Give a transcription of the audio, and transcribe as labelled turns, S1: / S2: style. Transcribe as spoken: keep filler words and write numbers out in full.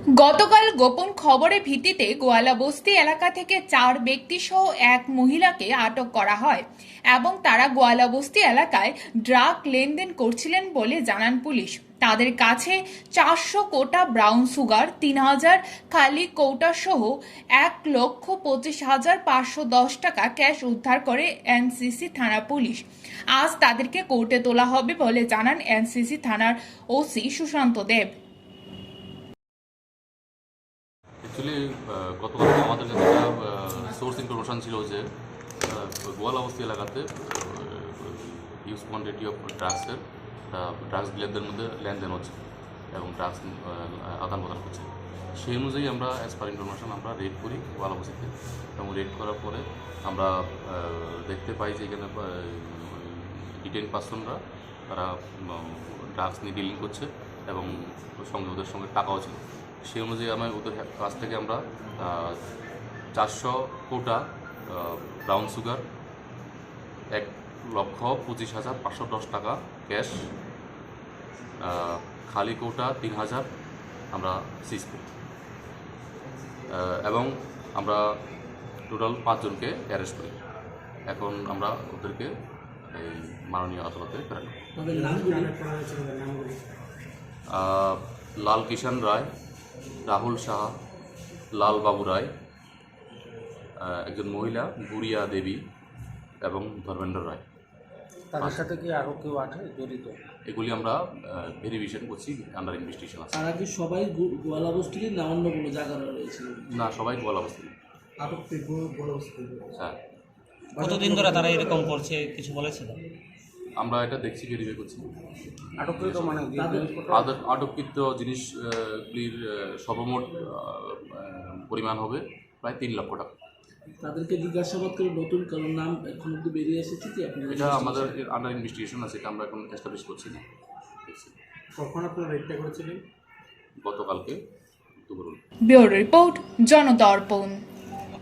S1: গতকাল গোপন খবরের ভিত্তিতে গোয়ালাবস্তি এলাকা থেকে চার ব্যক্তি সহ এক মহিলাকে আটক করা হয় এবং তারা গোয়ালাবস্তি এলাকায় ড্রাগ লেনদেন করছিলেন বলে জানান পুলিশ। তাদের কাছে চারশো কোটা ব্রাউন সুগার, তিন হাজার খালি কৌটা সহ এক লক্ষ পঁচিশ হাজার পাঁচশো দশ টাকা ক্যাশ উদ্ধার করে এনসিসি থানা পুলিশ। আজ তাদেরকে কোর্টে তোলা হবে বলে জানান এনসিসি থানার ওসি সুশান্ত দেব।
S2: অ্যাকচুয়ালি গতকাল আমাদের কাছে একটা সোর্স ইনফরমেশান ছিল যে গোয়ালাবস্তি এলাকাতে হিউজ কোয়ান্টিটি অফ ড্রাগসের ড্রাগস ডিলারদের মধ্যে লেনদেন হচ্ছে এবং ড্রাগস আদান প্রদান করছে। সেই অনুযায়ী আমরা অ্যাজ পার ইনফরমেশান আমরা রেড করি গোয়ালাবস্তিতে, এবং রেড করার পরে আমরা দেখতে পাই যে এখানে ডিটেইন পার্সনরা তারা ড্রাগস নিয়ে ডিলিং করছে এবং সঙ্গে ওদের সঙ্গে টাকাও ছিল। সেই অনুযায়ী আমি ওদের কাছ থেকে আমরা চারশো কোটা ব্রাউন সুগার, এক লক্ষ পঁচিশ হাজার পাঁচশো দশ টাকা ক্যাশ, খালি কোটা তিন হাজার আমরা সিজ করি এবং আমরা টোটাল পাঁচজনকে অ্যারেস্ট করি। এখন আমরা ওদেরকে এই মাননীয় আদালতে প্রেরণ করি। লাল কিষাণ রায়, রাহুল সাহা, লাল বাবু রায়, একজন মহিলা গুড়িয়া দেবী এবং ধর্মেন্দ্র রায়।
S3: তাদের সাথে কি আরও কেউ আছে জড়িত?
S2: এগুলি আমরা ভেরিফিকেশন করছি, আন্ডার ইনভেস্টিগেশন আছে।
S3: তারা কি সবাই গোয়ালাবস্তি না অন্য কোনো জায়গায় রয়েছিল?
S2: না, সবাই গোয়ালাবস্তি। হ্যাঁ।
S4: কতদিন ধরে তারা এরকম করছে কিছু বলেছিল?
S2: আমরা এটা দেখছি, ভেরিফাই করছি।
S3: আটককৃত মানে
S2: আটককৃত জিনিসগুলির সর্বমোট পরিমাণ হবে প্রায় তিন লক্ষ টাকা।
S3: তাদেরকে জিজ্ঞাসাবাদ করে নতুন কারণ নাম এখন অব্দি বেরিয়ে এসেছে কি? আপনি
S2: এটা আমাদের আন্ডার ইনভেস্টিগেশন আছে, এটা আমরা এখন এস্টাবলিশ করছি না।
S5: কখন আপনারা রেডটা করেছিলেন?
S2: গতকালকে দুপুর।
S1: Bureau report, জনদর্পণ।